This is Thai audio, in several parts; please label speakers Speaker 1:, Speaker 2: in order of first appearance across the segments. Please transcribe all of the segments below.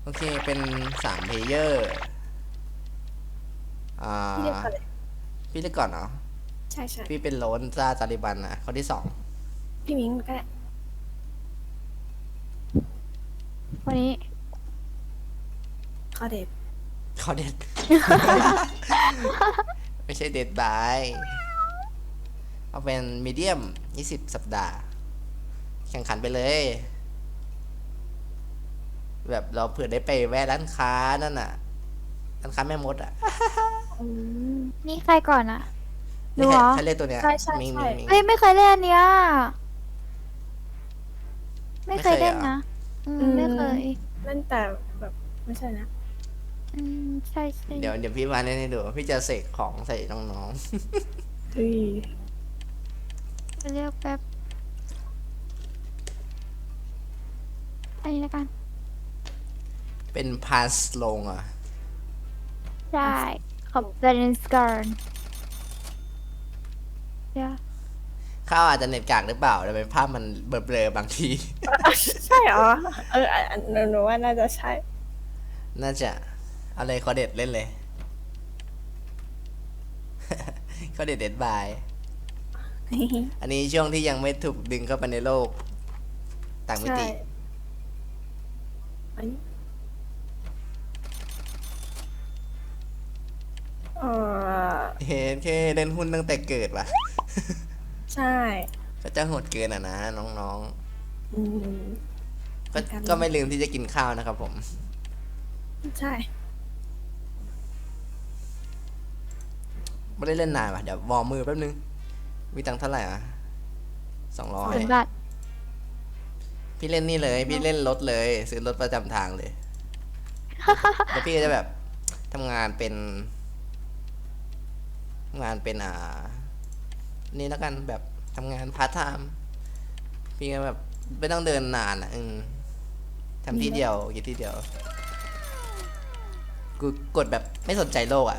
Speaker 1: โอเคเป็น3 เพลเยอร์อ่
Speaker 2: พี่เรียก
Speaker 1: า
Speaker 2: ก่อนเลย
Speaker 1: พี่เล่นก่อนเนาะ
Speaker 2: ใช่ใช่
Speaker 1: พี่เป็นโลนซาตาลิบันนะคนที่2
Speaker 2: พี่มิ้งก็ได้
Speaker 3: วันนี้
Speaker 2: ขอเด็ด
Speaker 1: ขอเด็ด ไม่ใช่เด็ดบายเอาเป็นมีเดียม20 สัปดาห์แข่งขันไปเลยแบบเราเผื่อได้ไปแวะร้านค้านั่นน่ะร้านค้าแม่มดอ่ะ
Speaker 2: อืม
Speaker 3: นี่ใครก่อนอะ
Speaker 1: นี่
Speaker 3: รู้เหรอ
Speaker 1: ใครเล่นตัวเนี้ย
Speaker 2: ใช่ใช่
Speaker 1: มิง
Speaker 2: ใช่
Speaker 1: มิงมิง
Speaker 3: เฮ้ยไม่เคยเล่นอันเนี้ยไม่เค
Speaker 1: ไม่เคยเหรอ
Speaker 3: ยเล่นนะไม่เคย
Speaker 2: เล่นแต่แบบไม่ใช่นะ
Speaker 3: ใช่ใช่
Speaker 1: เดี๋ยวพี่มาเล่นให้ดูพี่จะเสกของใส่น้อง
Speaker 2: เฮ้ย
Speaker 3: เรียกแป๊บอันนี้ละกัน
Speaker 1: ๆเป็นพาสลงอ่ะ
Speaker 3: ใช่ขอบเล่นสการเดี๋ยว
Speaker 1: ข้าวอาจจะเน็ตกากหรือเปล่าแต่เป็นภาพมันเบลอๆบางที
Speaker 2: ใช่เหรอหนูว่าน่าจะใช่
Speaker 1: น่าจะเอาเลยขอเด็ดเล่นเลย ขอเด็ดเด็ดบาย อันนี้ช่วงที่ยังไม่ถูกดึงเข้าไปในโลกต่างมิ
Speaker 2: ใช่
Speaker 1: ติ
Speaker 2: อันนี้เออ
Speaker 1: เห็นแค่เล่นหุ้นตั้งแต่เกิดว่ะ
Speaker 2: ใช่
Speaker 1: ก็จะโหดเกินอ่ะนะน้อง
Speaker 2: อืม
Speaker 1: ๆ
Speaker 2: เหมือนกัน
Speaker 1: ก็ไม่ลืมที่จะกินข้าวนะครับผม
Speaker 2: ใช่
Speaker 1: ไม่ได้เล่นนานว่ะเดี๋ยววอร์มมือแป๊บนึงมีตังค์เท่าไหร่อ่ะ200
Speaker 3: 0 บาท
Speaker 1: พี่เล่นนี่เลยพี่เล่นรถเลยซื้อรถประจำทางเลยแล้วพี่ก็จะแบบทำงานเป็นนี่แล้วกันแบบทำงานพาร์ทไทม์พี่ก็แบบไม่ต้องเดินนานอ่ะทำที่เดียวกินที่เดียวกูกดแบบไม่สนใจโลกอ่ะ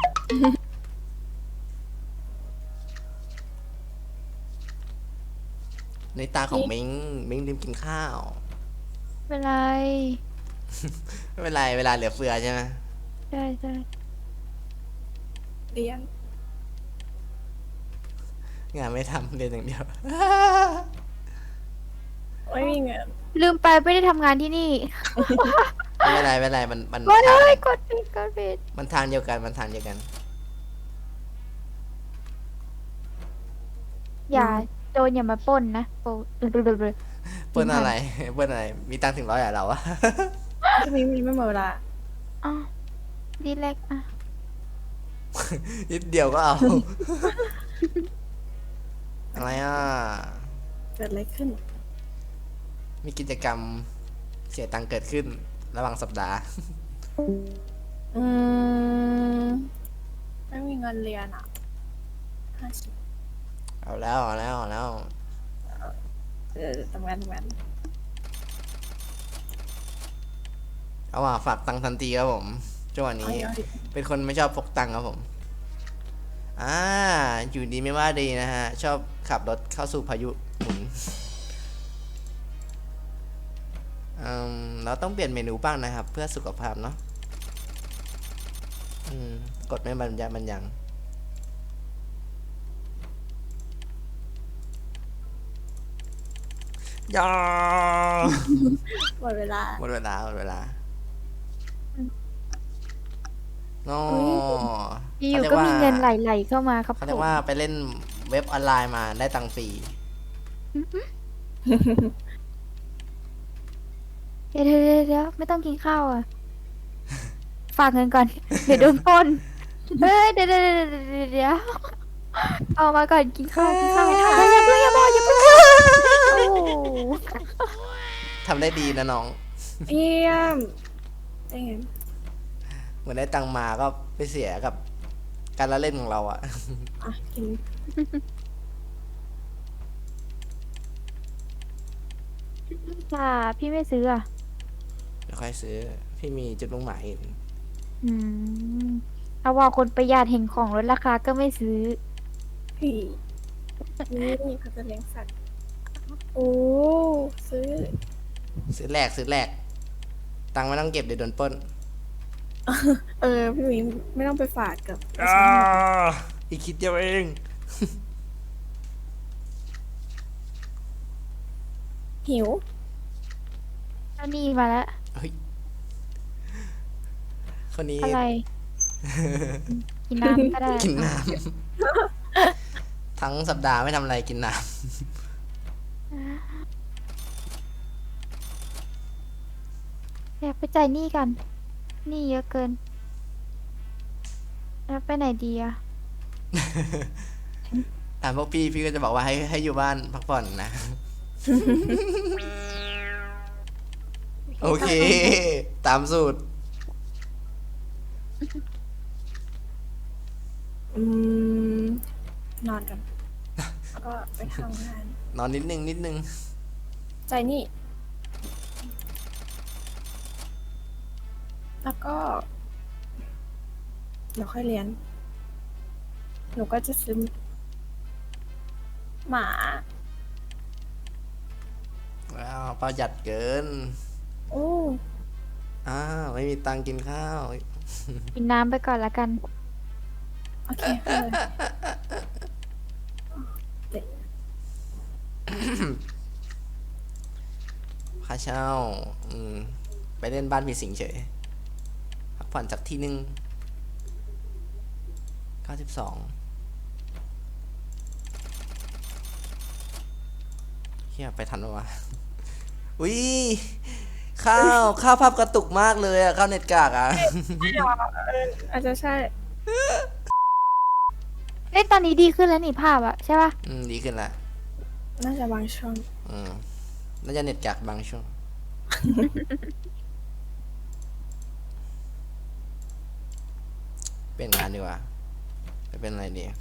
Speaker 1: ในตาของมิงลืมกินข้าว
Speaker 3: เป็นไร
Speaker 1: ไม่เป็นไรเวลาเหลือเฟือใช่ไหม
Speaker 3: ใช่ใช่
Speaker 2: เรียน
Speaker 1: งานไม่ทำเรียนอย่างเดียว
Speaker 2: ไม่มีเงิน
Speaker 3: ลืมไปไม่ได้ทำงานที่นี่
Speaker 1: ไม่เป็นไรมัน
Speaker 3: กดเล
Speaker 1: ทาง
Speaker 3: ยกดผิดกดผิด
Speaker 1: มันทางเดียวกันมันทางเดียวกัน
Speaker 3: อย่าโจรอย่ามาปล้นนะโอ้
Speaker 1: เปิ้ลอะไร เปิ้ลอะไรมีตังค์ถึง100อ่ะเราอะ
Speaker 2: พี่มิ้งมีไม่หมดเวลา
Speaker 3: อ๋อดีเล็กอ่ะ
Speaker 1: นิดเดียวก็เอา อะไรอ่ะ
Speaker 2: เกิดอะไรขึ้น
Speaker 1: มีกิจกรรมเสียตังค์เกิดขึ้นระหว่างสัปดาห์
Speaker 2: อืมไม่มีเงินเรียนอ่ะ50
Speaker 1: เอาแล้ว
Speaker 2: ทำงาน
Speaker 1: เอาว่าฝากตังค์ทันทีครับผมจังหวะนี้
Speaker 2: เอาดิ
Speaker 1: เป็นคนไม่ชอบพกตังค์ครับผมอยู่ดีไม่ว่าดีนะฮะ ชอบขับรถเข้าสู่พายุหมุนเราต้องเปลี่ยนเมนูบ้างนะครับ เพื่อสุขภาพเนาะกดไม่บรรยายมันยังยา
Speaker 2: หมดเวลา
Speaker 1: หมดเวลาโน
Speaker 3: อยู่ก็มีเงินไหลๆเข้ามาครับ
Speaker 1: เขา
Speaker 3: ผ
Speaker 1: เรียก
Speaker 3: ม
Speaker 1: ว่าไปเล่นเว็บออนไลน์มาได้ตังค์ฟรี
Speaker 3: เดี๋ยวไม่ต้องกินข้าวอ่ะ ฝากเงินก่อน เดี๋ยวโดนปล้นเฮ้ยเดี๋ยวเอามาก่อนกินข้าวอย่าเพิ่งโอ้โห
Speaker 1: ทำได้ดีนะน้อง
Speaker 2: เยี่ยมได้ไง
Speaker 1: เหมือนได้ตังค์มาก็ไปเสียกับการละเล่นของเราอะ
Speaker 2: อ่ะกิน
Speaker 3: ค่ะพี่ไม่ซื้ออ่ะ
Speaker 1: เดี๋ยวค่อยซื้อ พี่มีจุดมุ่งหมายอื่น
Speaker 3: อืมถ้าว่าคนประหยัดเห็นของลดราคาก็ไม่ซื้อ
Speaker 2: พี่นี่เขาจะเลี้ยงสัตว์โอ้ซื้อ
Speaker 1: ซื้อแรกตังค์ไม่ต้องเก็บเดี๋ยวโดนปล้น
Speaker 2: พี่หมีไม่ต้องไปฝากกับ
Speaker 1: อีกคิดเดียวเอง
Speaker 2: หิว
Speaker 3: เอานี่มาแล้ว
Speaker 1: เฮ้ยคนนี้
Speaker 3: อะไร กินน้ำก็ได้
Speaker 1: กินน้ำ ทั้งสัปดาห์ไม่ทำอะไรกินน้
Speaker 3: อยากไปจ่ายหนี้กันหนี้เยอะเกิน แล้วไปไหนดีอะ
Speaker 1: ำพวกพี่ก็จะบอกว่าให้อยู่บ้านพักผ่อนนะ โอเค ตามสูตร
Speaker 2: นอนกันแล้วก็ไปทำงาน
Speaker 1: นอนนิดนึง
Speaker 2: ใจนี่ แล้วก็เดี๋ยวค่อยเรียน หนูก็จะซื้อหมา
Speaker 1: ว้าวประหยัดเกิน
Speaker 2: โอ้
Speaker 1: ไม่มีตังค์กินข้าว
Speaker 3: กินน้ำไปก่อนละกัน
Speaker 2: โอเคเลย
Speaker 1: ค่าเช่า ไปเล่นบ้านผีสิงเฉย พักผ่อนจากที่1 92เฮียไปทันปะวะ อุ้ยข้าวภาพกระตุกมากเลยอะข้าวเน็ตกากอะ
Speaker 2: อาจจะใช่
Speaker 3: เอ้ยตอนนี้ดีขึ้นแล้วนี่ภาพอะใช่ปะ
Speaker 1: ดีขึ้นละ
Speaker 2: น่าจะบางช่วง
Speaker 1: น่าจะเน็ตกากบางช่วง เป็นงานดีกว่าไปเป็นอะไรดี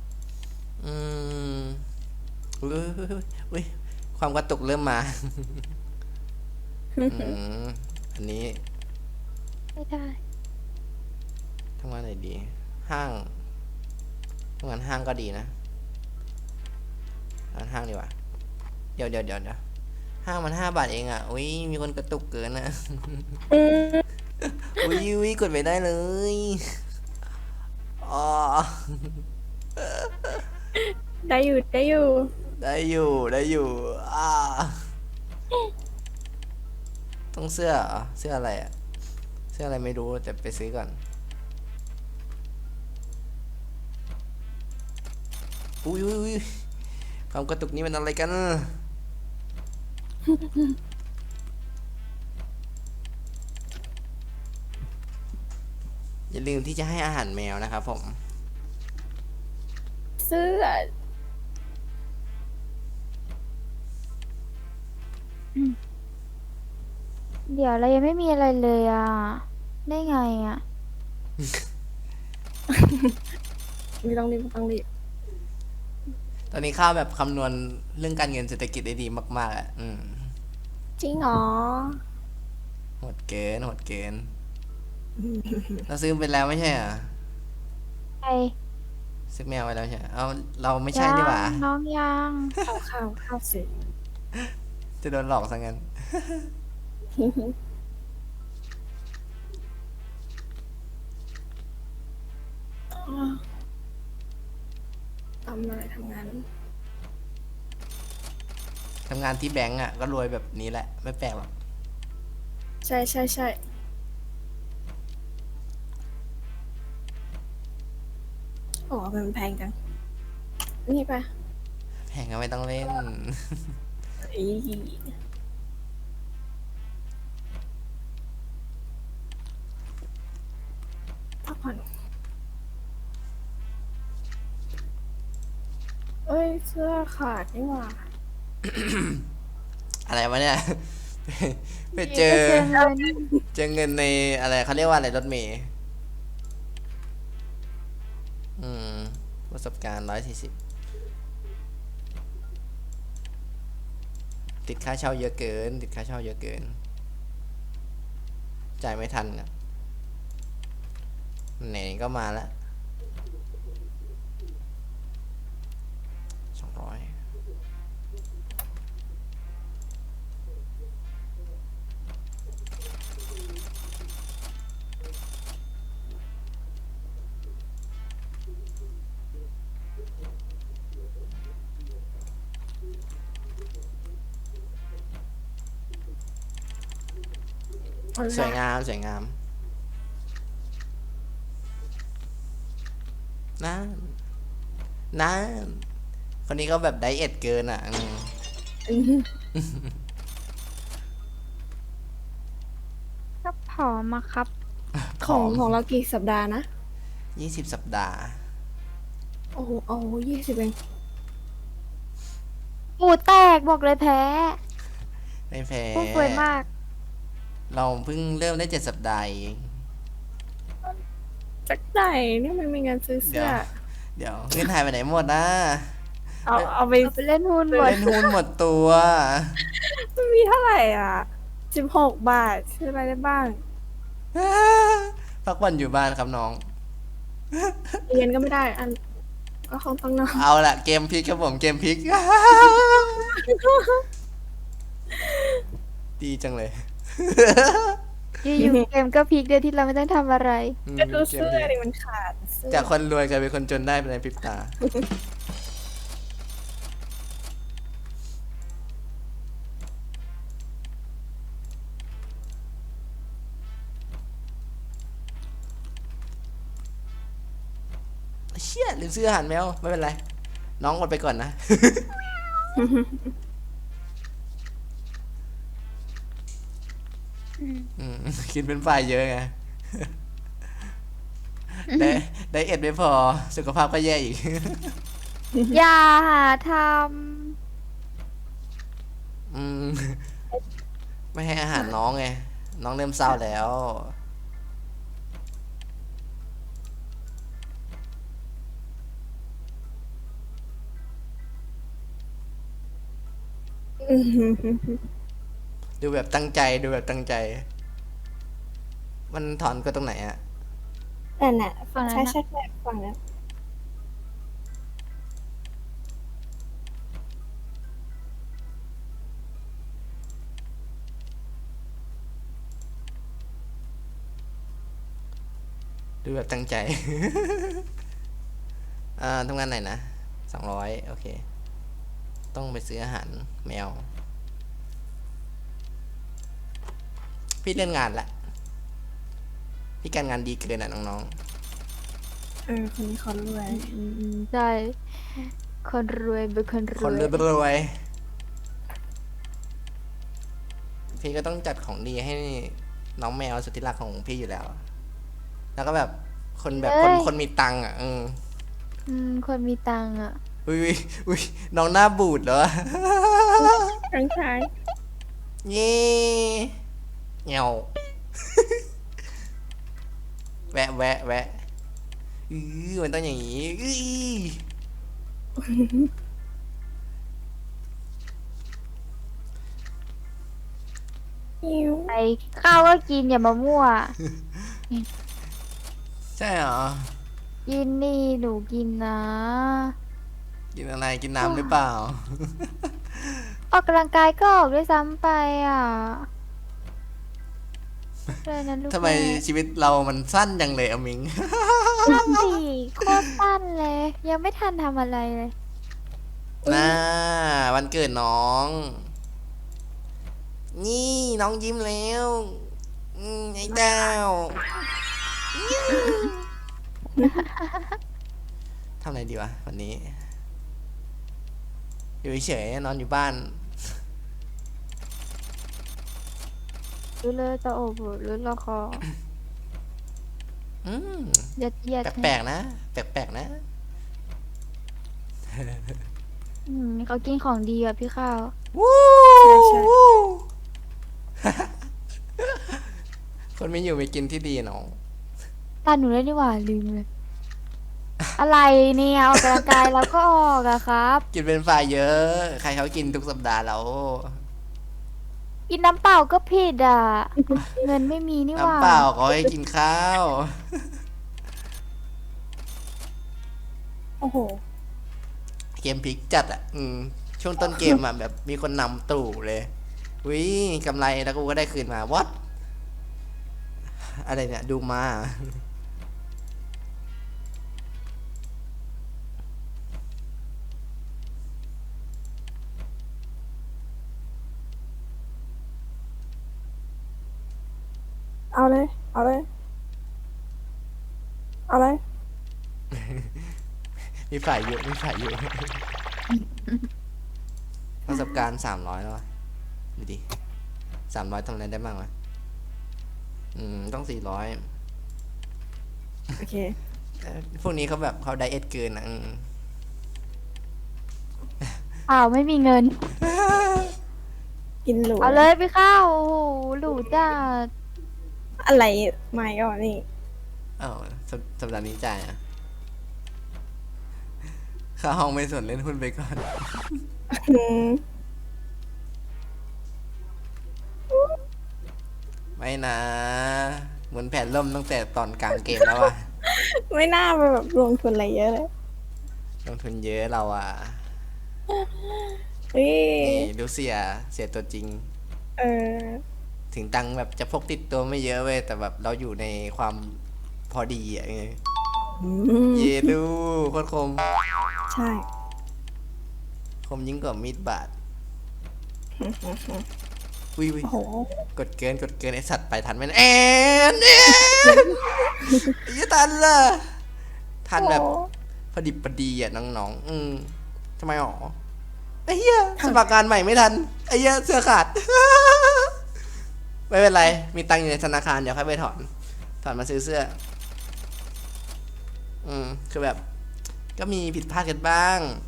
Speaker 1: อุ้ยความกระตุกเริ่มมา อันนี้
Speaker 3: ไม่ได้
Speaker 1: ทำงานไหนดี ห้างทำงานห้างก็ดีนะงานห้างดีกว่า เดี๋ยวห้างมัน5 บาทเองอ่ะอุ้ยมีคนกระตุกเกินนะอุ้ยกดไปได้เลยอ๋อ
Speaker 2: ได้อยู่
Speaker 1: ได้อยู่ต้องเสื้อเหรอเสื้ออะไรอ่ะ เสื้ออะไรไม่รู้แต่ไปซื้อก่อนอุ้ยความกระตุกนี้มันอะไรกัน อย่าลืมที่จะให้อาหารแมวนะครับผม
Speaker 2: เสื้อ
Speaker 3: เดี๋ยวเรายังไม่มีอะไรเลยอะได้ไงอะ
Speaker 2: ไม่ต้องรีบ
Speaker 1: ตอนนี้ข้าวแบบคำนวณเรื่องการเงินเศรษฐกิจได้ดีมากๆอ่ะ
Speaker 2: จริงเหรอ
Speaker 1: โหดเกินเราซื้อไปแล้วไม่ใช่เหรอ
Speaker 3: ไป
Speaker 1: ซื้อแมวไปแล้วใช่เหรอเอาเราไม่ใช่นี่หว่า
Speaker 3: น้องยัง
Speaker 2: ข้าวเสร็จ
Speaker 1: จะโดนหลอกซะงั้น
Speaker 2: ทำอะไรทำงาน
Speaker 1: ทำงานที่แบงก์อ่ะก็รวยแบบนี้แหละ ไม่แปลกหรอก
Speaker 2: ใช่โอ้มันแพงจัง นี่ปะ
Speaker 1: แพงก็ไม่ต้องเล่น
Speaker 2: อีพักผ่อนเอ้ย เสื้อขาดนี่หว่า
Speaker 1: อะไรวะเนี่ย ไปเจอ
Speaker 3: เงิน
Speaker 1: เจอเงินในอะไรเขาเรียกว่าอะไรรถเมย์ประสบการณ์140ติดค่าเช่าเยอะเกิน จ่ายไม่ทันอ่ะไหนก็มาแล้ว200 สวยงามสวยงามนั่นนั่นคนนี้ก็แบบไดเอทเกินอ่ะ
Speaker 3: ก็ผอมมาครับ
Speaker 2: ของเรากี่สัปดาห์นะ
Speaker 1: 20 สัปดาห์
Speaker 2: โอ้โห20เอง
Speaker 3: ปูแตกบอกเลยแพ้
Speaker 1: ไม่แพ้
Speaker 3: พูดสวยมาก
Speaker 1: เราเพิ่งเริ่มได้7 สัปดาห์เอง
Speaker 2: จากไหนเนี่ยมันมีเงินซื้อ
Speaker 1: เดี๋
Speaker 2: เสื้
Speaker 1: ยว
Speaker 2: อ
Speaker 1: เดี๋ยวเงินหายไปไหนหมดนะ
Speaker 2: เอาไป
Speaker 3: เอาไปเล่นหุ้นหมด
Speaker 1: เล่นหุ้นหมดตัว
Speaker 2: มันมีเท่าไหร่อ่ะ16 บาทซื้ออะไรได้บ้าง
Speaker 1: พักวันอยู่บ้านครับน้อง
Speaker 2: เรียนก็ไม่ได้อันก็คงต้องนอน
Speaker 1: เอาละเกมพลิกครับผมเกมพลิก ดีจังเลย
Speaker 3: อยู่ๆเกมก็พลิกโดยที่เราไม่ต้องทำอะไร
Speaker 2: ก็ดู
Speaker 1: เกม
Speaker 2: เสื้อ
Speaker 1: พลิก
Speaker 2: ดิมันขาดเสื้อ
Speaker 1: จากคนรวยกลายเป็นคนจนได้ในพริบตา เชี่ยลืมซื้ออาหารแมวไม่เป็นไร น้องอดไปก่อนนะ อืมกินเป็นฝ่ายเยอะไง ได้ได้เอ็ดไม่พอ สุขภาพก็แย่อีก
Speaker 3: อย่าหาท
Speaker 1: อืม ไม่ให้อาหารน้องไง น้องเริ่มเศร้าแล้ว ดูแบบตั้งใจดูแบบตั้งใจ มันถอนก็ตรงไหนอะ
Speaker 2: แต่น่ะ
Speaker 3: ำฝั่งนั้น
Speaker 2: ใช่
Speaker 3: นะ
Speaker 2: ใช่ฝั่งนั้น
Speaker 1: ดูแบบตั้งใจ ทำงานไหนนะ200โอเค ต้องไปซื้ออาหารแมว พี่เลื่อนงานละพี่การงานดีเกินอ่ะน้อง
Speaker 2: คนนี้เขารวย
Speaker 3: ใช่ คนรวยเป็นคนร
Speaker 1: ๆ คน
Speaker 3: วย
Speaker 1: รวยๆพี่ก็ต้องจัดของดีให้น้องแมวสุดที่รักของพี่อยู่แล้ว แล้วก็แบบคนแบบคนมีตังค์อ่ะ
Speaker 3: คนมีตังค์อ่ะ
Speaker 1: อุ้ยอุ้ยน้องหน้าบูดเหรอ
Speaker 2: ทั้งชาย
Speaker 1: เย่เงา แวะแวะแวะมันต้องอย่างนี้
Speaker 2: หิว
Speaker 3: ไอข้าวก็กินอย่ามามั่ว
Speaker 1: ใช่เหรอ
Speaker 3: กินนี่หนูกินนะ
Speaker 1: กินอะไรกินน้ำหรือเปล่า
Speaker 3: ออกกำลังกายก็ออกด้วยซ้ำไปอ่ะเลยนะลูก
Speaker 1: ทำไม
Speaker 3: แม่
Speaker 1: ชีวิตเรามันสั้นจังเลยอะมิง
Speaker 3: สั้นสิโคตรสั้นเลย ยังไม่ทันทำอะไรเลย
Speaker 1: น่าวันเกิดน้อง นี่น้องยิ้มแล้วไอ้ดาวทำอะไรดีวะวันนี้ อยู่เฉยๆนอนอยู่บ้าน
Speaker 3: รู้เลยจะโอบรู้ละคอ
Speaker 1: อืม
Speaker 3: ยัดเยียด
Speaker 1: แปลกๆนะ แปลกๆนะ
Speaker 3: เขากินของดีอ่ะพี่ข้าว
Speaker 1: วู้
Speaker 2: ใช่
Speaker 1: วู้ คนไม่อยู่ไม่กินที่ดีน้อง
Speaker 3: ตาหนูเลยดีกว่าลืมเลย อะไรเนี่ยออกกำลังกายแล้วก็ออกอะครับ
Speaker 1: กินเป็นฝ่ายเยอะ ใครเขากินทุกสัปดาห์แล้ว
Speaker 3: กินน้ำเปล่าก็ผิดอ่ะ เงินไม่มีนี่หว่า
Speaker 1: น้ำเปล่าเขาให้กินข้าว
Speaker 2: โอ้โห
Speaker 1: เกมพลิกจัดอ่ะ ช่วงต้นเกมอ่ะ แบบมีคนนำตู่เลยวิกำไรแล้วกูก็ได้คืนมา what อะไรเนี่ย ดูมา
Speaker 2: เอาเลย เอาเลย เอาเลย
Speaker 1: มีฝ่ายเยอะมีฝ่ายเยอะ ประสบการณ์300แล้ววะดูดิ300ทำอะไรได้บ้างวะต้อง400
Speaker 2: โอเค
Speaker 1: พวกนี้เขาแบบเขาไดเอทเกินอ่ะ
Speaker 3: อ้าวไม่มีเงิน
Speaker 2: กินหรู
Speaker 3: เอาเลยไปเข้าโอ้โหหรูจ้า
Speaker 2: อะไรไม่ก่อนนี่
Speaker 1: อ้าวสัปดาห์นี้จ่ายอ่ะค่าห้องไม่ส่วนเล่นหุ้นไปก่อน
Speaker 2: อืม
Speaker 1: ไม่นะเหมือนแผนล่มตั้งแต่ตอนกลางเกมแล้วว่ะ
Speaker 2: ไม่น่าไปแบบลงทุนอะไรเยอะเลย
Speaker 1: ลงทุนเยอะเราอ่ะ
Speaker 2: เฮ้ย
Speaker 1: นี่ดูเสียตัวจริง
Speaker 2: เออ
Speaker 1: ถึงตังค์แบบจะพกติดตัวไม่เยอะเว้ยแต่แบบเราอยู่ในความพอดีอ่ะไง
Speaker 2: อืม
Speaker 1: เยดูโคตรคม
Speaker 2: ใช่
Speaker 1: คมยิ่งกว่ามีดบาดวิว
Speaker 2: โอ้โห
Speaker 1: กดเกินไอสัตว์ไปทันไหมนะแอนยังทันล่ะทันแบบพอดิบพอดีอ่ะน้องทำไมหรอไอ้เหี้ยสมัครงานใหม่ไม่ทันไอ้เหี้ยเสื้อขาด ไม่เป็นไรมีตังค์อยู่ในธนาคารเดี๋ยวค่อยไปถอนมาซื้อเสื้อคือแบบ ก็มีผิดพลาดกันบ้าง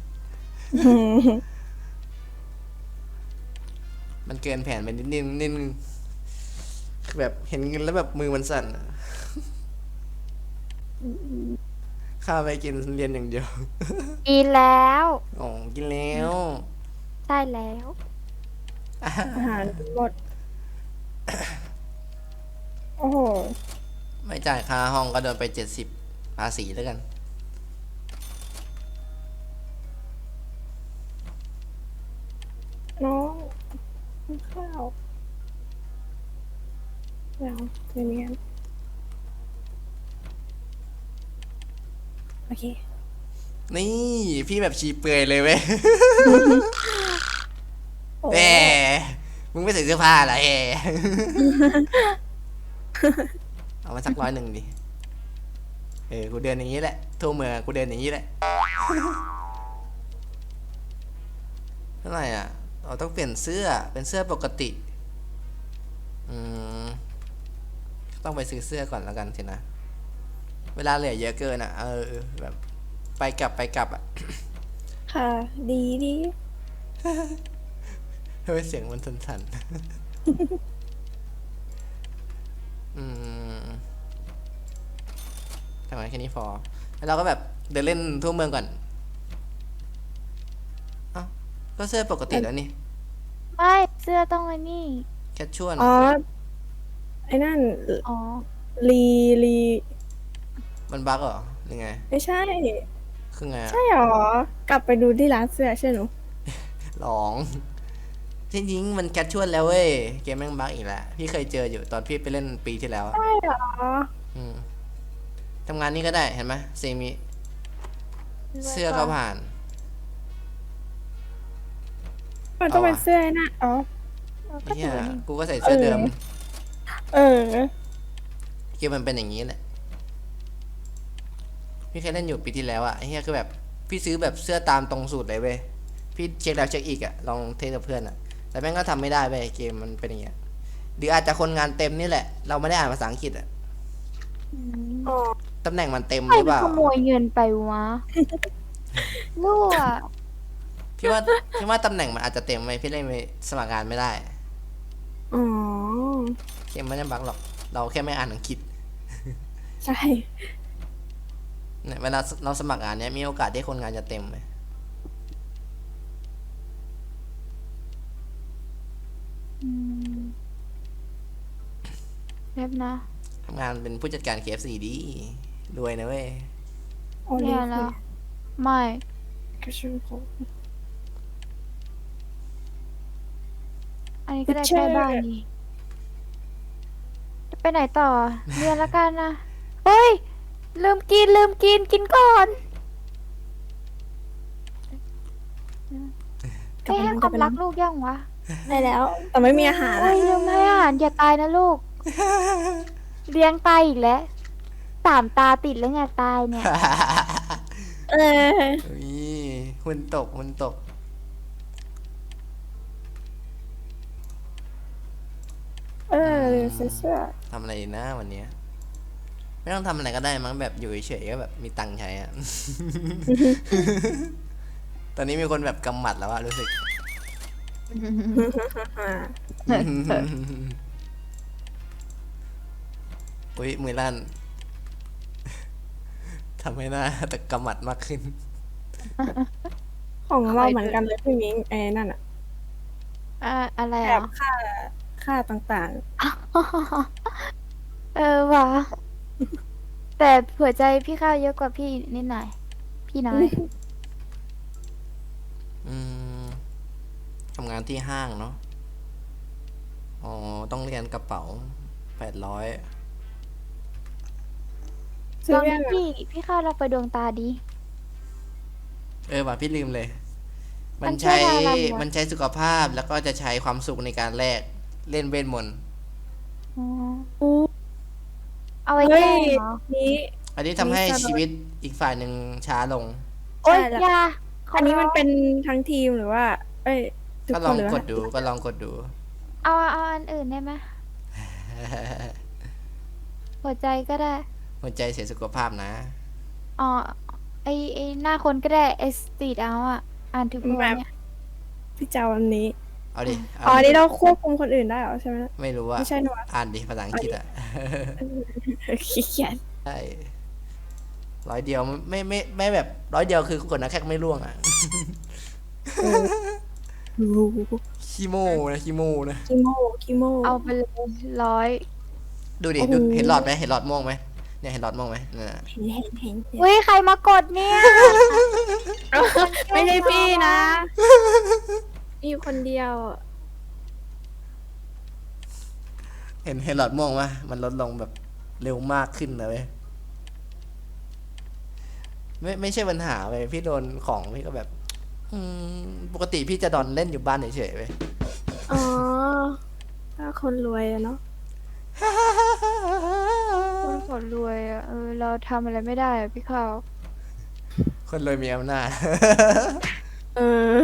Speaker 1: มันเกินแผนไปนิดนึงคือแบบเห็นเงินแล้วแบบมือมันสั่นอะข้าวไปกินเรียนอย่างเดียว
Speaker 3: กินแล้ว
Speaker 1: อ๋อกินแล้ว
Speaker 3: ใช่แล้ว
Speaker 2: อาหารหมด โอ้โห
Speaker 1: ไม่จ่ายค่าห้องก็โดนไป70ภาษีแล้วกัน
Speaker 2: น้องกินข้าวแล้วเรียนโอเค
Speaker 1: นี่พี่แบบชีเปลือยเลยเว้ย
Speaker 2: โอ้
Speaker 1: แหมมึงไม่ใส่เสื้อผ้าเหรอแหม เอามาสัก100ดิกูเดินอย่างนี้แหละทั่วเมืองกูเดินอย่างนี้แหละ เท่าไหร่อ่ะเราต้องเปลี่ยนเสื้อเป็นเสื้อปกติต้องไปซื้อเสื้อก่อนแล้วกันสินะเวลาเหลือเยอะเกินอ่ะแบบไปกลับอ่ะ
Speaker 2: ค่ะ ดีดี
Speaker 1: ทำไมเสียงมันสั่นๆ ทำไมแค่นี้พอแล้วเราก็แบบเดินเล่นทั่วเมืองก่อนอ้าวก็เสื้อปกติแล้วนี่
Speaker 3: ไม่เสื้อต้องไอ้นี่
Speaker 1: แค่ชวน
Speaker 2: อ๋อ ไอ้นั่น
Speaker 3: อ๋อ
Speaker 2: ลี
Speaker 1: มันบั๊กเหรอหรือไง
Speaker 2: ไม่ใช่
Speaker 1: คือไงอะ
Speaker 2: ใช่หรอ กลับไปดูที่ร้านเสื้อใช่หนู
Speaker 1: หลองจริงๆมันแคชชวลแล้วเว้ยเกมแม่งบั๊กอีกแล้วพี่เคยเจออยู่ตอนพี่ไปเล่นปีที่แล้วอะ
Speaker 2: ใช่หรอ
Speaker 1: ทำงานนี้ก็ได้เห็นไหมเซมิเสื้อก็ผ่าน
Speaker 2: มันต้อง
Speaker 1: เอา
Speaker 2: เป็น
Speaker 1: อะ
Speaker 2: เสื้อไอ้นั่นอ๋อ
Speaker 3: ก็
Speaker 1: เฮี
Speaker 3: ถื
Speaker 1: ย
Speaker 3: อว่านี่
Speaker 1: กูก็ใส่เสื้อเดิม
Speaker 2: เออ
Speaker 1: เกมมันเป็นอย่างนี้แหละพี่เคยเล่นอยู่ปีที่แล้วอะไอ้เฮียคือแบบพี่ซื้อแบบเสื้อตามตรงสูตรเลยเว้ยพี่เช็คแล้วเช็คอีกอะลองเทสกับเพื่อนอะแต่แม่งก็ทำไม่ได้เว้ยเกมมันเป็นอย่างเงี้ยหรืออาจจะคนงานเต็มนี่แหละ เราไม่ได้อ่านภาษาอังกฤษอะ
Speaker 3: อืม
Speaker 2: อ๋อ
Speaker 1: ตำแหน่งมันเต็ม
Speaker 3: ใคร
Speaker 1: หรือ
Speaker 3: ไป
Speaker 1: เปล่า
Speaker 3: ขโมยเงินไปวะ รั่ว
Speaker 1: พี่ว่าตำแหน่งมันอาจจะเต็มไหมพี่เล่นไปสมัครงานไม่ได้
Speaker 2: อ๋อ
Speaker 1: เกมไม่ได้บั๊กหรอก เราแค่ไม่อ่านอังกฤษ
Speaker 2: ใช่
Speaker 1: เนี่ยเวลาเราสมัครงานเนี้ยมีโอกาสที่คนงานจะเต็มไหม
Speaker 3: อืมเรียบนะ
Speaker 1: ทำงานเป็นผู้จัดการ KFC ดีรวยนะเว้ย
Speaker 2: โอลิ
Speaker 3: เนี่ย
Speaker 2: ฟ
Speaker 3: แล้ว ไม่
Speaker 2: กระชูโค
Speaker 3: อันนี้ก็ได้
Speaker 2: เชื่
Speaker 3: ใก
Speaker 2: อ
Speaker 3: ล้บ้านดีจะไปไหนต่อ เรียนแล้วกันนะ เฮ้ย ลืมกินก่อนเอ้ให้ความรักลูกยังวะ
Speaker 2: ได้แล้ว แต่ไม่มีอาหาร
Speaker 3: เฮ้
Speaker 2: อะ
Speaker 3: ยลืมให้อาหารอย่าตายนะลูกเลี้ยงตายอีกแล้ว3 ตาติดแล้วไงตายเนี่ย
Speaker 2: เออ
Speaker 1: อุ้ยหุ่นตกหุ่นตก
Speaker 2: เออเสื้อ
Speaker 1: ทำอะไรดีนะวันเนี้ยไม่ต้องทำอะไรก็ได้มั้งแบบอยู่เฉยๆก็แบบมีตังค์ใช้อะ ตอนนี้มีคนแบบกำหมัดแล้วอะรู้สึก อุ้ยมือลั่น ทำให้หน้าแต่กำหมัดมากขึ้น
Speaker 2: ของเราเหมือนกันเลยพี่มิ้งไอ้นั่นอะ
Speaker 3: อะไร
Speaker 2: แบ
Speaker 3: อ่ะ
Speaker 2: บค่าต่าง
Speaker 3: เออว่ะแต่หัวใจพี่ข้าวเยอะกว่าพี่นิดหน่อย พี่น้อย
Speaker 1: อืมทำงานที่ห้างเนาะอ๋อต้องเรียนกระเป๋า800
Speaker 2: ๆ
Speaker 3: ล
Speaker 2: ซื้อ
Speaker 3: อง
Speaker 2: เรื่
Speaker 3: ดิ
Speaker 2: องอะ
Speaker 3: พี่ข้าวลองไปดวงตาดี
Speaker 1: ว่ะพี่ลืมเลย
Speaker 3: มั
Speaker 1: มัน
Speaker 3: นช่ว
Speaker 1: ใช้
Speaker 3: ยอะไรวะ
Speaker 1: มันใช้สุขภาพแล้วก็จะใช้ความสุขในการแลกเล่นเวทมนต์
Speaker 3: อ๋อ
Speaker 2: อู้
Speaker 3: เอาไว้
Speaker 2: เฮ้
Speaker 3: แก้
Speaker 2: ย
Speaker 3: เหรอ
Speaker 2: นี้
Speaker 1: อันนี้ทำให้
Speaker 2: มีสล็อต
Speaker 1: ชีวิตอีกฝ่ายหนึ่งช้าลง
Speaker 3: โอ๊ย
Speaker 2: ใช่แล้ว
Speaker 3: อยาข
Speaker 2: อันนี้มัน
Speaker 3: ร้ง
Speaker 2: เป็นทั้งทีมหรือว่า เอ้ยทุก
Speaker 1: ก็
Speaker 2: ค
Speaker 1: ลอน ง
Speaker 2: หรือก ว่า
Speaker 1: ดดูก็ลองกดดู
Speaker 3: เอาอันอื่นได้ไหมหัวใจก็ได้
Speaker 1: หัวใจเสียสุขภาพนะ
Speaker 3: อ๋อไอหน้าคนก็ได้ไอสตรีทเอาอ่ะ อ่านถึงปะวะเนี่ย
Speaker 2: พี่เจ้าอันนี้
Speaker 1: เอาดิ
Speaker 2: อ๋อ
Speaker 1: เอา
Speaker 2: อัน
Speaker 1: ดิ
Speaker 2: นี้เราควบคุมคนอื่นได้เหรอใช่ไหม
Speaker 1: ไม่รู้ว่า
Speaker 2: ไม่ใช่หนูอะ
Speaker 1: อ่านดิภาษาอังกฤษอ่ะ
Speaker 2: ขี้เกียจ
Speaker 1: ใช่100 เดียวไม่แบบ100 เดียวคือกดนะแค่ไม่ร่วงอ่ะ
Speaker 2: รู้
Speaker 1: ขี้โม่นะขี้โม่นะ
Speaker 2: คิโม
Speaker 3: เอาไปเลย100
Speaker 1: ดูดิ
Speaker 2: โอ้โห
Speaker 1: ดูเห็นหลอดไหมเห็นหลอดม่วงไหมเนี่ยเห็นหลอดม่วงไหมนั่นน่ะ
Speaker 2: เห็น
Speaker 3: เฮ้ย ใครมากดเนี่ย
Speaker 2: ไม่ใช่พี่นะมีอยู่คนเดียวอะ
Speaker 1: เห็นหลอดม่วงไหมมันลดลงแบบเร็วมากขึ้นเลยเว้ยไม่ใช่ปัญหาเว้ยพี่โดนของพี่ก็แบบ ปกติพี่จะดอนเล่นอยู่บ้านเฉยๆเว้ย
Speaker 2: อ๋อถ้าคนรวยอะเนาะ
Speaker 3: คนขอรวยอ่ะ เราทำอะไรไม่ได้อ่ะพี่ข้าว
Speaker 1: คนรวยมีอำนาจ
Speaker 2: เออ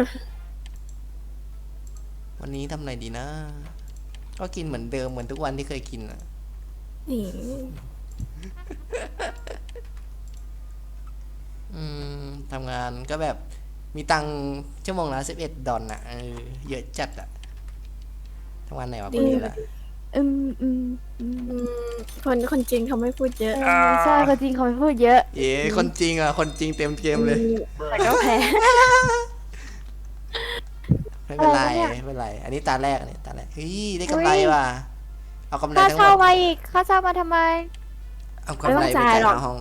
Speaker 1: วันนี้ทำอะไรดีนะ ก็กินเหมือนเดิมเหมือนทุกวันที่เคยกินอ่ะ
Speaker 2: นี่
Speaker 1: ทำงานก็แบบมีตังค์ชั่วโมงละ11 ดอลอ่ะเยอะจัดอ่ะทำงานไหนวะคนนี้ล่ะ
Speaker 3: อืมอืมอืม
Speaker 2: อืมคนจริงเขาไม่พูดเยอะ
Speaker 3: ใช่คนจริงเขาไม่พูดเยอะ
Speaker 1: คนจริงอ่ะคนจริงเต็มเกมเลย
Speaker 2: แต่ก็แพ้
Speaker 1: ไม่เป็นไร
Speaker 3: อะไรวะเนี่ย
Speaker 1: ไม่เป็นไร อันนี้ตาแรกเฮ้ยได้กำไรว่ะเอากำไร
Speaker 3: ค่า
Speaker 1: ทั้งหม
Speaker 3: เช่า
Speaker 1: ด
Speaker 3: มาอีก ค่าเช่ามาทำไม
Speaker 1: เอากำไรไปจ่ายค่าห้อง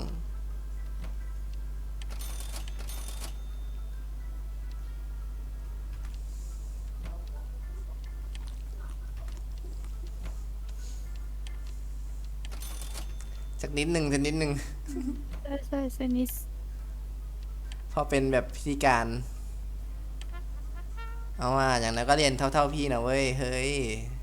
Speaker 1: สักนิดหนึ่ง
Speaker 3: ใช่ใช่เซนิส
Speaker 1: พอเป็นแบบพิธีการ เอาว่าอย่างนั้นก็เรียนเท่าพี่นะเว้ย เฮ้ย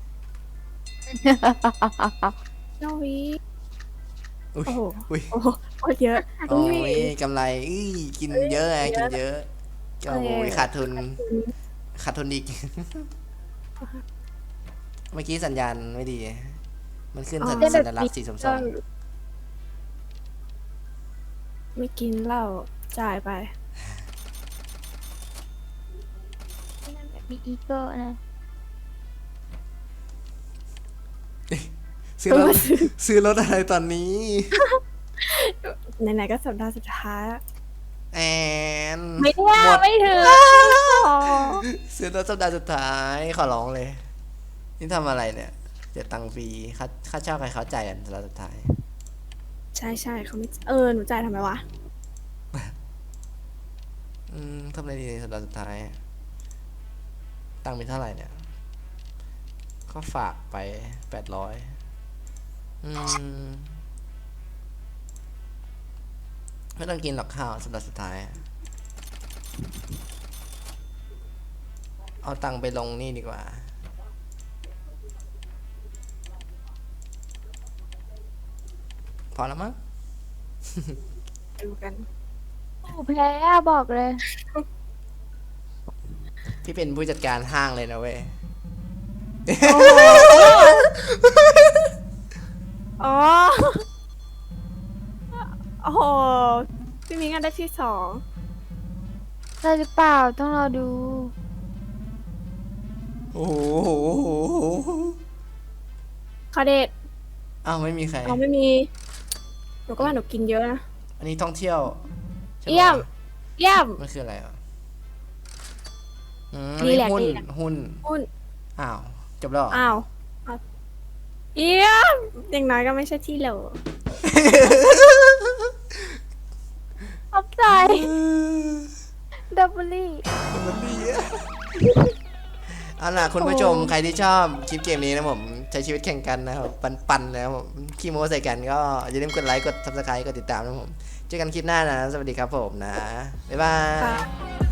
Speaker 2: เจ้าวิ
Speaker 1: อุ้ย
Speaker 2: โอ้โห
Speaker 1: อุ้ย
Speaker 2: โอ้โหโคตรเยอะ
Speaker 1: โอ้ยกำไรกินเยอะไงกินเยอะโอ้ยขาดทุนอีก เมื่อกี้สัญญาณไม่ดี มันขึ้นสัญลักษณ์สีส้ม
Speaker 2: ไม่กินเหล้าจ่ายไป
Speaker 3: มีอีโก้นะ
Speaker 1: ๆซื้อรถอะไรตอนนี้
Speaker 2: ไหนๆก็สัปดาห์สุดท้ายแล้ว
Speaker 1: แอน
Speaker 3: ไม่ได้
Speaker 1: หมด
Speaker 3: ไม่ถึง
Speaker 1: ซื้อรถสัปดาห์สุดท้ายขอร้องเลย นี่ทำอะไรเนี่ยเสียตังค์ฟรีค่าเช่าใครเขาจ่ายกันสัปดาห์สุดท้าย
Speaker 2: ใช่เขาไม่หนูจ่ายทำไมวะ
Speaker 1: ทำอะไรดีในสัปดาห์สุดท้าย ตังค์มีเท่าไหร่เนี่ย ก็ฝากไป800ไม่ต้องกินหรอกข้าวสัปดาห์สุดท้าย เอาตังค์ไปลงนี่ดีกว่าพอแล้วมั้ง
Speaker 2: ดูกัน
Speaker 3: โอ้แพ้อะบอกเลย
Speaker 1: พี่เป็นผู้จัดการห้างเลยนะเว้ย
Speaker 2: อ๋อโอ้โหพี่มิ้งอันได้ที่สอง
Speaker 3: ได้หรือเปล่าต้องรอดู
Speaker 1: โอ้โห
Speaker 2: คาเดต
Speaker 1: อ้าวไม่มีใคร
Speaker 2: เราไม่มีหนูก็ว่าหนูกินเยอะนะ
Speaker 1: อันนี้ท่องเที่ยวใช่ปะ
Speaker 2: เยี่ยม เยี่ยม
Speaker 1: มันคืออะไรอ่ะอัน
Speaker 2: ดี
Speaker 1: นี้
Speaker 2: แหละ
Speaker 1: หุ้น
Speaker 2: ดีแหละ
Speaker 1: หุ้น
Speaker 2: หุ้น
Speaker 1: อ้าว จบแล้วเหรอ
Speaker 2: อ้าวอ่ะเยี่ยมอย่างน้อยก็ไม่ใช่ที่โหล
Speaker 3: ขอบใจดับเบิลลี่
Speaker 1: มันดีอะเอาล่ะคุณผู้ชมใครที่ชอบคลิปเกมนี้นะผมใช้ชีวิตแข่งกันนะครับปันๆนะครับผมขี้โม้ใส่กันก็อย่าลืมกดไลค์กด subscribe กดติดตามนะผมเจอกันคลิปหน้านะ สวัสดีครับผมนะ บ๊ายบาย
Speaker 2: ค่ะ